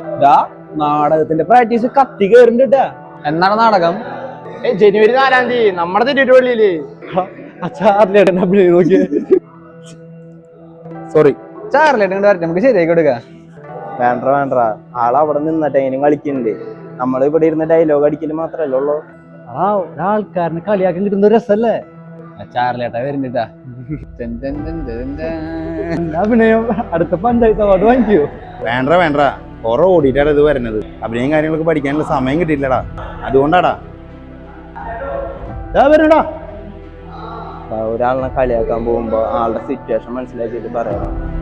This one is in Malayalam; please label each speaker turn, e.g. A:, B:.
A: നാടകത്തിന്റെ പ്രാക്ടീസ് കത്തി കയറിണ്ടാ. എന്നാണ് നാടകം?
B: ജനുവരി 4-ാം തീയതി നമ്മുടെ തിരുവള്ളിയില്.
A: സോറി, ചാർലേട്ടൻ വരട്ടെ, നമുക്ക് ശരിയാക്കി കൊടുക്ക.
C: വേണ്ട ആളവിടെ നിന്നിട്ട് എങ്ങനെയും കളിക്കുന്നുണ്ട്. നമ്മൾ ഇവിടെ ഇരുന്ന് ഡയലോഗ് അടിക്കല് മാത്രല്ലേ ഉള്ളൂ.
A: ഒരാൾക്കാരനെ കളിയാക്കാൻ കിട്ടുന്ന ഒരു രസല്ലേ. ചാർലേട്ടാ വരുന്നിട്ടാ. അഭിനയം അടുത്ത പഞ്ചായത്ത് അവാർഡ് വാങ്ങിക്കോ.
D: വേണ്ട കുറെ ഓടിയിട്ടാണ് ഇത് വരുന്നത്. അഭിനയം കാര്യങ്ങളൊക്കെ പഠിക്കാനുള്ള സമയം കിട്ടിയില്ലടാ, അതുകൊണ്ടാടാ. വരണടാ.
C: ഒരാളിനെ കളിയാക്കാൻ പോകുമ്പോ ആളുടെ സിറ്റുവേഷൻ മനസ്സിലാക്കിയിട്ട് പറയാം.